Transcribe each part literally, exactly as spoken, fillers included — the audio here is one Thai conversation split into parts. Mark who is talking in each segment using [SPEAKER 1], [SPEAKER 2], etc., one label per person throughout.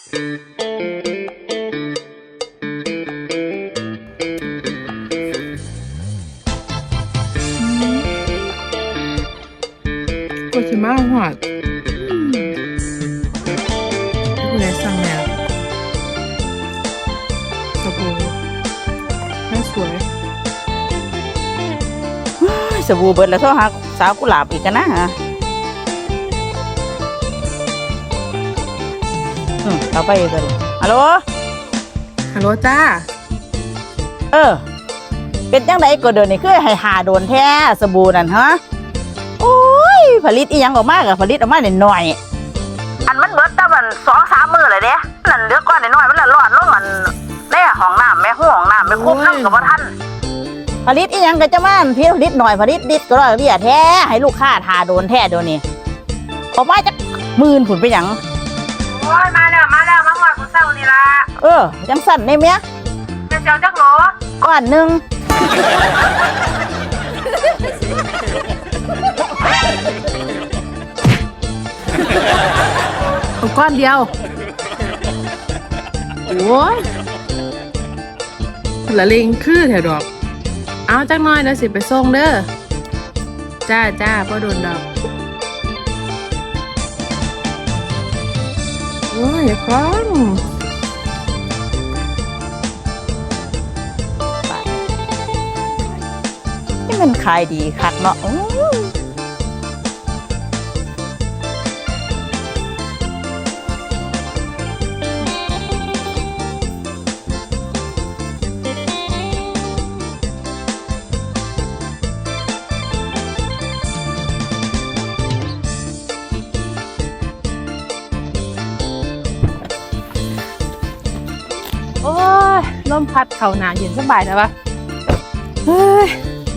[SPEAKER 1] ก็จะมาหอดผู้ใดสั่งแนวสบู่น่าสวย
[SPEAKER 2] สบู่เบิดแล้วเท่าหักสาวกุหลาบอีกกันนะฮะอืมเอาไปกันฮัลโหล
[SPEAKER 1] ฮัลโหลจ้า
[SPEAKER 2] เออเป็นจังไดก็เดินนี่คือให้หาโดนแท้สบู่นั่นฮะโอ้ยผลิตอีหยังออกมากับผลิตออกมาหน่อยอันมันเบิดแต่มันสองสามมือเลยเด้นั่นเลือกก้อนน้อยมันละรอดลงมันแม่ห้องน้ำแม่ห้องน้ำแม่คุ้มน้ำกับว่าท่านผลิตอีหยังก็จะมาพี่ผลิตหน่อยผลิตดิดก็ร้อยเบี้ยแท้ให้ลูกค้าทาโดนแท้เดี๋ยวนี้ออกมาจากหมื่นผุนไปหยัง
[SPEAKER 3] โอ้ยมาแล้วมาแล้วมาหอดกูเศร้านี่ละ
[SPEAKER 2] เออยังสั่นในเมีย
[SPEAKER 3] จะเจ้าจักโหล
[SPEAKER 2] ก้อนหนึ่ง
[SPEAKER 1] เอาก้อนเดียวโอ้ยละเลงคือแถวดอกเอาจักน้อยแล้วสิไปส่งเด้อจ้าจ้าพ่อโดนดอกโอ้ยอย่าคล้อง
[SPEAKER 2] นี่มันขายดีคักเนาะ
[SPEAKER 1] โอ้ยลมพัดเข่าหนาเย็นสบายนะวะเฮ้ย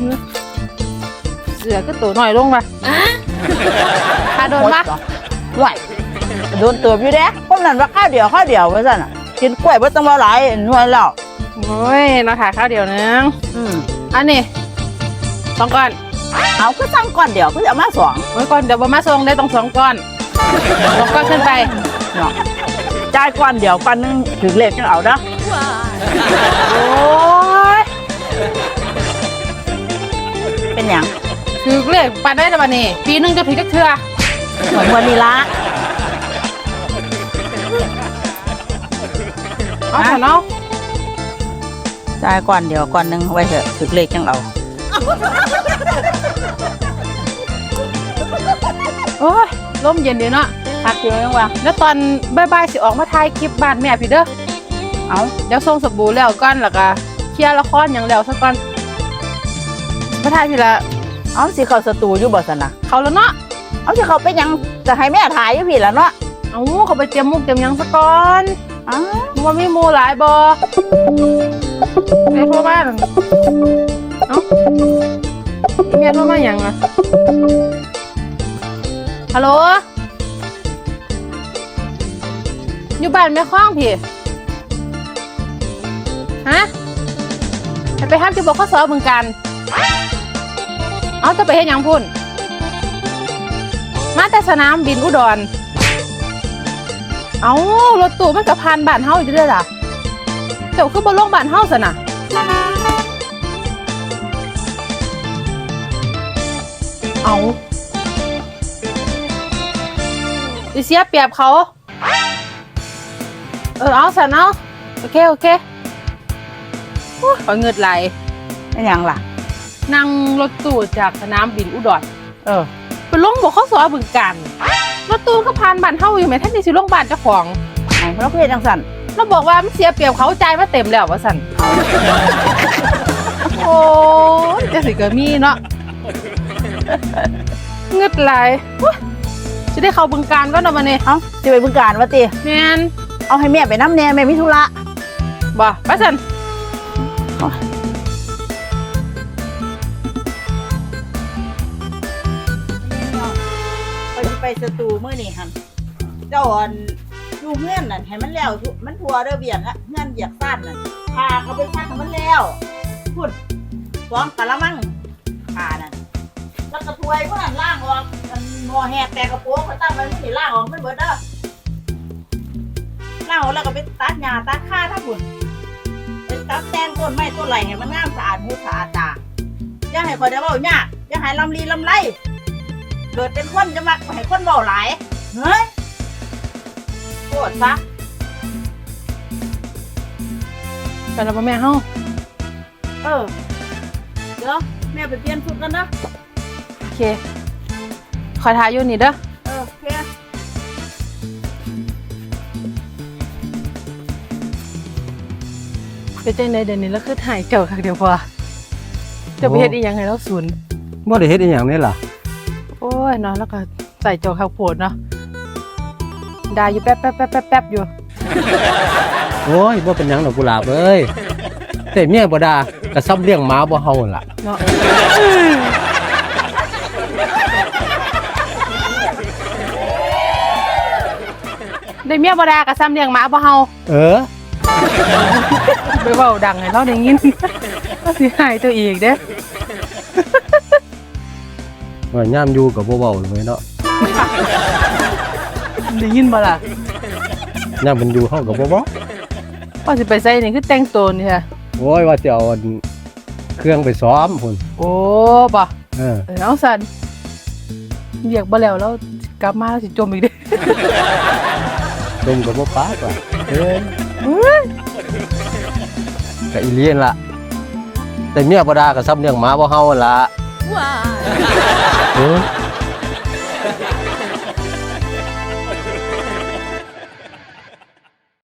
[SPEAKER 1] เสือก็ตัวหน่อยลงมาพาโดนปะ
[SPEAKER 2] ไหวโดนตัวอยู่เด้พวกนั้นว่าข้าวเดียวข้าวเดียวไว้สั่นอ่ะกินกล้วยไม่ต้องมาหลายหน่วยแล้ว
[SPEAKER 1] โอ้ยเราถ่ายข้าวเดียวนึง
[SPEAKER 2] อืม
[SPEAKER 1] อันนี้สองก้อน
[SPEAKER 2] เอาก็สั่งก้อนเดียวก็จะมาสอง
[SPEAKER 1] โอ้ยก้อนเดี๋ยวมาส่งได้ต้องสองก้อนสองก้อนขึ้นไป
[SPEAKER 2] เนาะจ่ายก้อนเดียวก้อนนึงถึงเลขจะเอาเด้อ
[SPEAKER 1] โอ้ย
[SPEAKER 2] เป็นอย่าง
[SPEAKER 1] ถือเลขปันได้แต่วันนี้ปีนึงจะถือจักเทื่อ
[SPEAKER 2] เหมือนวันนี้ละ
[SPEAKER 1] เอาเถอะเนาะ
[SPEAKER 2] จ่ายก้อนเดียวก้อนนึงไว้เถอะถึงเลขจังเอา
[SPEAKER 1] โอ้ยลมเย็นดีเนาะ
[SPEAKER 2] พักเยอะยังวะ
[SPEAKER 1] แล้วตอนบ่ายๆสิออกมาถ่ายคลิปบ้านแม่พี่เด้อ
[SPEAKER 2] เอา
[SPEAKER 1] เดี๋ยวส่งสบู่แล้วก่อนแล้วก็เคลียร์ละครอย่างแล้วซะก่อนมาถ่ายพี่ละ
[SPEAKER 2] เอาสิเขาสตูอยู่บ่สนะ
[SPEAKER 1] เขาแล้วเนาะ
[SPEAKER 2] เอาสิเขาไปยังจะให้แม่ถ่ายอยู่พี่แล้วเนาะ
[SPEAKER 1] เอาเขาไปเตรียมมุกเตรียมยังซะก่อน
[SPEAKER 2] อ้าว
[SPEAKER 1] มันมีหมูหลายบ่ไอ้โทรมาเอ้าเมียโทรมาอย่างอ่ะฮัลโหลอยู่บ้านแม่คล้องพี่ฮะไปห้ามจะบอกข้อสอบเหมือนกันเอาจะไปเฮ็ดยังพุ่นมาแต่สนามบินอุดรเอารถตู้มันกับพานบ้านเฮาอยู่ด้วยล่ะเจ้าคือบนโลกบ้านเฮาซะน่ะเอาดิเสียเปรียบเขาเออเอาซะเนาะโอเคโอเคขอเงินไหล
[SPEAKER 2] เป็นยังล่ะ
[SPEAKER 1] นั่งรถตู้จากสนามบินอุดร
[SPEAKER 2] เออ
[SPEAKER 1] ไปลงบอกข้อสอบบึงกันรถตู้ก็ผ่านบ้านเฮาอยู่ไหมท่านนี่สิลงบ้านเจ้าของ
[SPEAKER 2] เราเพื่อนจังสัน
[SPEAKER 1] เราบอกว่ามันเสียเปรียบเขาใจมาเต็มแล้วว่าสันโอ้จะสิเกิดมีเนาะเงินไหลจะได้เข้าบึงการก็นอนมาเนี่ย
[SPEAKER 2] เอ้าจะไปบึงการวะตี
[SPEAKER 1] แมน
[SPEAKER 2] เอาให้แม่ไปน้ำแน่แม่มิธุระ
[SPEAKER 1] บ่ไปสัน
[SPEAKER 2] ไปสตูเมื่อนี่ฮันเจ้าอ่อนดูเงื่อนนั่นให้มันแล้วมันทัวเด้อเบียงอะเงื่อนเหยียบสั้นนั่นพาเขาไปซักให้มันแล้วพูดฟ้องกะละมังพานั่นแล้วกระถวยพวกนั้นล่างออกมันงอแหกแต่กระโปรงเขาตั้งไว้ไม่ได้ล่างออกไม่เบิดเด้อเล่าแล้วก็ไปตัดหญ้าตัดค่าทั้งบุญไปตัดแตนต้นไม้ต้นไหลให้มันงามสะอาดหูสะอาดตาอย่าให้คอยได้เว้ายากอย่าให้ลำลีลำไรเกิดเป็นคนจะมักให้คนเว้าหลายเฮ้ยโคตรซะ
[SPEAKER 1] ไปแล้วบ่แม่เฮา
[SPEAKER 2] เออเดี๋ยวแม่ไปเปลี่ยนชุดกันนะ
[SPEAKER 1] โอเคคอยทายอยู่นี่เด้อ
[SPEAKER 2] เออโอเค
[SPEAKER 1] เป็นจังไดเดี๋ยวนี้แล้วคือถ่ายเจ้าคักเดียวพอจะไปเฮ็ดอีหยังให้เราสูน
[SPEAKER 4] บ่ได้เฮ็ดอีหยังนี่ล่ะ
[SPEAKER 1] โอ้ยเนาะแล้วก็ใส่เจ้าคักโพดเนาะด่าอยู่แป๊บแป๊บแป๊บแป๊บแป๊บอยู่
[SPEAKER 4] โอ้ยบ่เป็นหยังดอกกุหลาบเอ้ยแต่เมียบ่ด่าก็ซ้ำเลี้ยงหมาบ่เฮานั่นล่ะ
[SPEAKER 1] เนาะได้เมียบ่ด่าก็ซ้ำเลี้ยงหมาบ่เฮา
[SPEAKER 4] เออ
[SPEAKER 1] ไปเว้าดังให้เราได้ยิน ก็สิหายตัวอีกเด้อ
[SPEAKER 4] ว่ายามอยู่ก็บ่เว้าเลยเนาะ
[SPEAKER 1] ได้ยินบ่ล่ะ
[SPEAKER 4] ยามมันอยู่เฮาก็บ่เว้า
[SPEAKER 1] พอสิไปใส่นี่คือแต่งตัวนี่ค่ะ
[SPEAKER 4] โอ้ยว่าสิเอาอันเครื่องไปซ้อมพุ่น
[SPEAKER 1] โอ้บ่
[SPEAKER 4] เออ
[SPEAKER 1] เออเอาสันเรียกบ่แล้วแล้วกลับมาแล้วสิจมอีกเด้
[SPEAKER 4] ดมก็บ่ปากว่ะเอ้ยก็อีเลียนล่ะแต่เมียบ่ด่าก็ซ้ำเลี้ยงหมาบ่เฮานั่นล่ะว้าเออ